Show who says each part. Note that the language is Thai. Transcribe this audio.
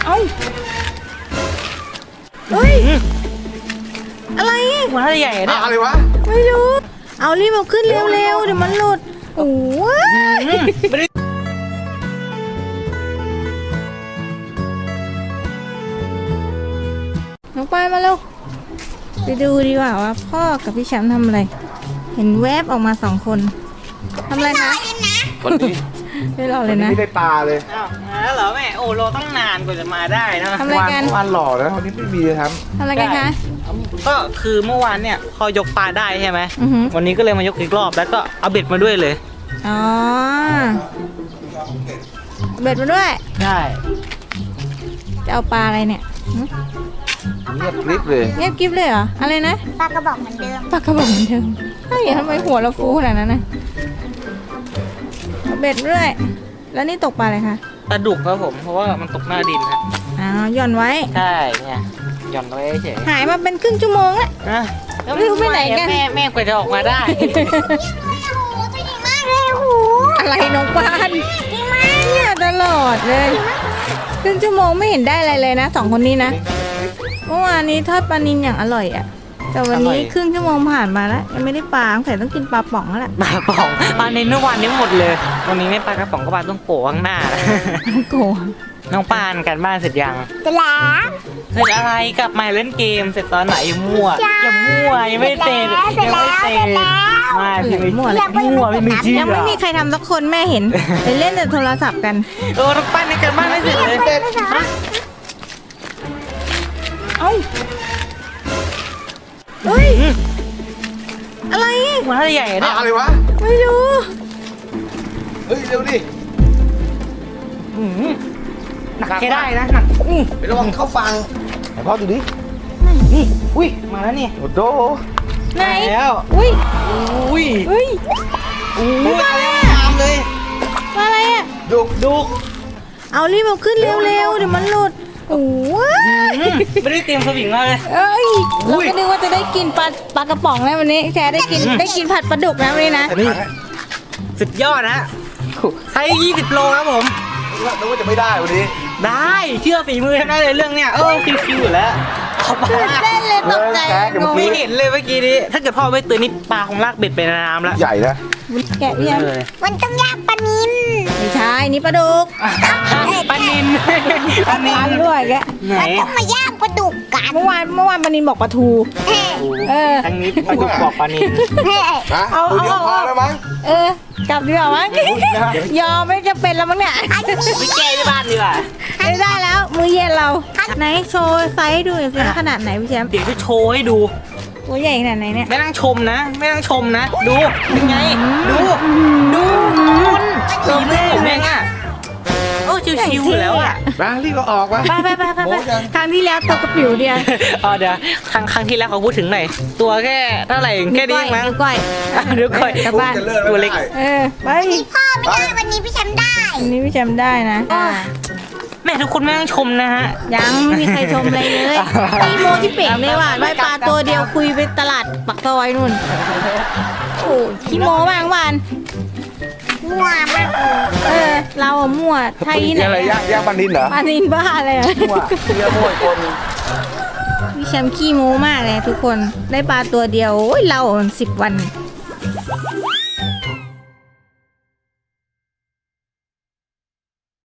Speaker 1: เอ้าเฮ้ยอะไรหัวใหญ่เนี่ย
Speaker 2: อะไรวะ
Speaker 1: ไม่รู้เอารีบเอาขึ้นเร็วๆเดี๋ยวมันหลุดโอ้ยน้องปายมาเร็วไปดูดีกว่าว่าพ่อกับพี่แชมป์ทำอะไรเห็นแวบออกมา2 คนทำอะไรคะ
Speaker 2: คนนี้
Speaker 1: ไม่รอเลยนะ
Speaker 2: ไม่ได้ปลาเลย
Speaker 3: อ้าวมาแล้วเหรอแม่โอ้เราต้องนานกว่าจะมาได้นะ
Speaker 1: ทำอะไรกัน
Speaker 2: วันหล่อแล้ววันนี้ไม่มีครับ
Speaker 1: ทำอะไรกันคะ
Speaker 3: ก็คือเมื่อวานเนี่ยพอยกปลาได้ใช่ไหม
Speaker 1: อ
Speaker 3: วันนี้ก็เลยมายกอีกรอบแล้วก็เอาเบ็ดมาด้วยเลย
Speaker 1: อ๋อเบ็ดมาด้วย
Speaker 3: ใช่
Speaker 1: จะเอาปลาอะไรเนี่ย
Speaker 2: เงียบกริบเลย
Speaker 1: เงียบกิ๊บเลยเหรออะไรนะ
Speaker 4: ปลากระบอกเหมือนเดิม
Speaker 1: ปลากระบอกเหมือนเดิมเฮ้ยทำไมหัวเราฟูขนาดนั้นนะเบ็ดด้วยแล้วนี่ตกปลาอะไรคะ
Speaker 3: ปลาดุกครับผมเพราะว่ามันตกหน้าดินครับ
Speaker 1: อ๋อหย่อนไว้
Speaker 3: ใช่เนี่ยหย่อนไว้เฉย
Speaker 1: หายมาเป็นครึ่งชั่วโมงแล้วไม่รู้ไปไหนกัน
Speaker 3: แม่กว่าจะออกมาได้
Speaker 1: อะไรน้องปานเนี่ยตลอดเลยครึ่งชั่วโมงไม่เห็นได้อะไรเลยนะ2 คนนี้นะเมื่อวานนี้ทอดปลานิลอย่างอร่อยอ่ะแต่วันนี้ครึ่งชั่วโมงผ่านมาแล้วยังไม่ได้ปลาแต่ต้องกินปลาป่องแล้วแหละ
Speaker 3: ปลาป่องปลาในเมื่อวานนี้หมดเลยวันนี้ไม่ปลากระป๋องก็ปลาต้องโกะข้างหน้า
Speaker 1: โกะ
Speaker 3: น้องปานกันบ้านเสร็จยัง
Speaker 4: จะล้าง
Speaker 3: เสร็จอะไรกลับมาเล่นเกมเสร็จตอนไหนมั่วยังมั่วยังไม่เสร็จยังไม่เสร็จมาพี่ไม่มั่วเลยมั่วไม่เชื่อ
Speaker 1: ยังไม่มีใครทำสักคนแม่เห็นไปเล่นแต่โทรศัพท์กัน
Speaker 3: น้องปานในกันบ้านไม่เสร็จเลย
Speaker 1: เอ้าเฮ้ยอะไร
Speaker 3: หัวใหญ่เนี่ย
Speaker 2: อะไรวะ
Speaker 1: ไม่รู้
Speaker 2: เฮ้ยเร็วดิ
Speaker 3: หนักแค่ได้นะหนัก
Speaker 2: ไประวังเข้าฟังไหนพ่อดูดิ
Speaker 3: นี่อุ้ยมาแล้วนี่
Speaker 2: โอ้โห
Speaker 1: ไหน
Speaker 3: แล้ว
Speaker 1: อุ้ย
Speaker 3: อุ้ย
Speaker 1: อุ้ย
Speaker 3: มาแล้วตามเลย
Speaker 1: มาอะไรอ่ะ
Speaker 3: ดุก
Speaker 1: เอารีบเอาขึ้นเร็วๆเดี๋ยวมันหลุดโอ้ย
Speaker 3: ไม่ได้เตรียมสวิงมาเลย
Speaker 1: เอ้ยเราก็นึกว่าจะได้กินปลากระป๋องนะวันนี้แค่ได้กินผัดปลาดุกนะวันนี้นะ
Speaker 3: สุดยอดนะใช้20 โลครับผม
Speaker 2: นึกว่าจะไม่ได้วันนี้
Speaker 3: ได้เชื่อฝีมือได้เลยเรื่องเนี้ยคิวๆอยู่แล้ว
Speaker 1: เล่นเลยตกใจ
Speaker 3: ไม่เห็นเลยเมื่อกี้นี้ถ้าเกิดพ่อไม่ตื่นนี่ปลาคงลากเบ็ดไปในน้ำแล้ว
Speaker 2: ใหญ่นะ
Speaker 1: แกะยัง
Speaker 4: มันต้องย่างปลานิล
Speaker 1: ไม่ใช่นี่ปลาดุก
Speaker 3: ปลานิล
Speaker 1: ด้วยแก
Speaker 4: มันต้องมาย่างปลาดุกกัน
Speaker 1: เมื่อวานปลานิลบอกปลาทู
Speaker 3: ครั้งนี้ปลาดุกบอกปลานิล
Speaker 2: เอาเดี๋ยวพอแล้วมั้ง
Speaker 1: กลับดีกว่ามั้งยอมไม่จะเป็นแล้วมั้งเนี่ย
Speaker 3: ไม่แก้ที่บ้านดีกว่า
Speaker 1: ไม่ได้แล้วมื้อเย็นเราไหนโชว์ไซส์ดูสิขนาดไหนพี่แชมป์
Speaker 3: เดี๋ยวจะโชว์ให้ดู
Speaker 1: ตัวใหญ่ขนาดไหนเนี่ย
Speaker 3: ไม่ต้องชมนะดูยังไงดูฝีมือผมเองอ่ะชิวๆแล้วอ่ะ
Speaker 2: มารีบเอาออกมา
Speaker 1: ไปครั้งที่แล้วตัวกระปิ๋วเดียว
Speaker 3: เดี๋ยวครั้งที่แล้วเขาพูดถึงหน่อยตัวแค่เท่าไหร่แค่นี้มั้งเดี๋ยวก่อย
Speaker 1: กลับบ้าน
Speaker 3: ตัวเล็ก
Speaker 1: ไป
Speaker 4: พ่อไม่ได้วันนี้พี่แชมป์ได้
Speaker 1: วันนี้พี่แชมป์ได้นะ
Speaker 3: แม่ทุกคนไม่ต้องชมนะฮะ
Speaker 1: ยังไม่มีใครชมอะไรเลยพี่โมที่เป่งเลยว่ะได้ปลาตัวเดียวคุยไปตลาดปักซอยนู่นโอ้ขี้โมบางวัน
Speaker 4: มั่วมาก
Speaker 1: เรามั่วไทยไหน
Speaker 2: อะไรย่างปลานิลเหรอ
Speaker 1: ปลานิลบ้าเลย
Speaker 2: มั่วเรียกมั่วคน
Speaker 1: พี่แชมป์ขี้โมมากเลยทุกคนได้ปลาตัวเดียวเรา10 วัน